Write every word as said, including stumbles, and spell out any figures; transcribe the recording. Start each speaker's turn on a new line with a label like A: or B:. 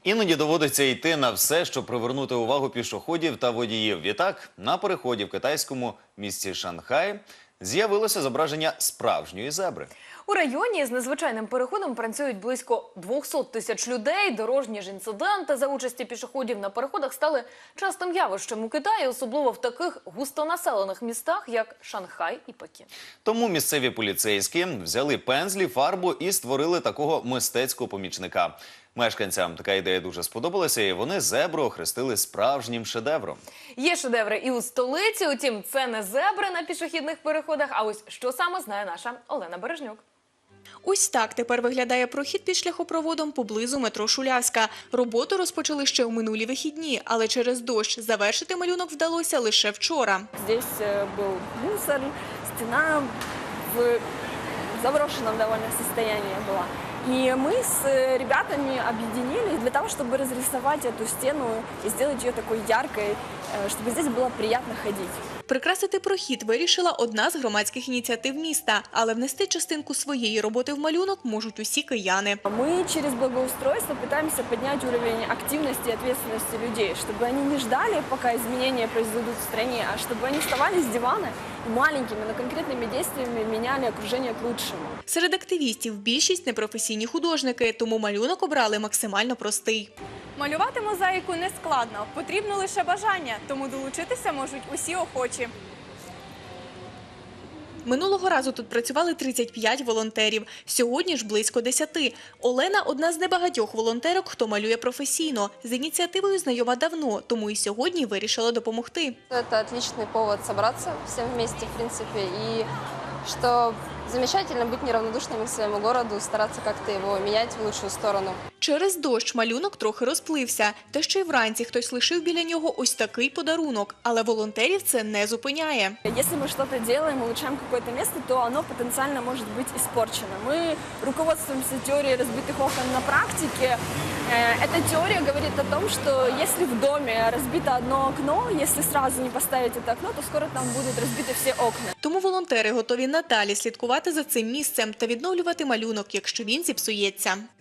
A: Іноді доводиться йти на все, щоб привернути увагу пішоходів та водіїв. Відтак, на переході в китайському місті Шанхай з'явилося зображення справжньої зебри.
B: У районі з незвичайним переходом працюють близько двохсот тисяч людей. Дорожні ж інциденти за участі пішоходів на переходах стали частим явищем у Китаї, особливо в таких густонаселених містах, як Шанхай і Пекін.
A: Тому місцеві поліцейські взяли пензлі, фарбу і створили такого мистецького помічника. Мешканцям така ідея дуже сподобалася, і вони зебру охрестили справжнім шедевром.
B: Є шедеври і у столиці, утім, це не зебри на пішохідних переходах, а ось що саме знає наша Олена Бережнюк.
C: Ось так тепер виглядає прохід під шляхопроводом поблизу метро Шулявська. Роботу розпочали ще у минулі вихідні, але через дощ завершити малюнок вдалося лише вчора.
D: Здесь был мусор, стена в заброшенном довольно состоянии была. И мы с ребятами объединились для того, чтобы разрисовать эту стену и сделать ее такой яркой, чтобы здесь было приятно ходить.
C: Прикрасити прохід вирішила одна з громадських ініціатив міста, але внести частинку своєї роботи в малюнок можуть усі кияни.
D: Мы через благоустройство пытаемся поднять уровень активности и ответственности людей, чтобы они не ждали, пока изменения произойдут в стране, а чтобы они вставали с дивана и маленькими, но конкретными действиями меняли окружение к лучшему.
C: Серед активістів більшість непрофесійні художники, тому малюнок обрали максимально простий.
E: Малювати мозаїку не складно, потрібно лише бажання, тому долучитися можуть усі охочі.
C: Минулого разу тут працювали тридцять п'ять волонтерів, сьогодні ж близько десяти. Олена – одна з небагатьох волонтерок, хто малює професійно. З ініціативою знайома давно, тому і сьогодні вирішила допомогти.
F: Це отличный повод собраться всем вместе, в принципе, и что замечательно быть неравнодушными к своему городу, стараться как-то его менять в лучшую сторону.
C: Через дощ малюнок трохи розплився, та ще й вранці хтось лишив біля нього ось такий подарунок. Але волонтерів це не зупиняє.
D: Если мы что-то делаем, улучшаем какое-то место, то оно потенциально может быть испорчено. Мы руководствуемся теорией разбитых окон на практике. Эта теория говорит о том, что если в доме разбито одно окно, если сразу не поставить это окно, то скоро там будут разбиты все окна.
C: Тому волонтери готові надалі слідкувати за цим місцем та відновлювати малюнок, якщо він зіпсується.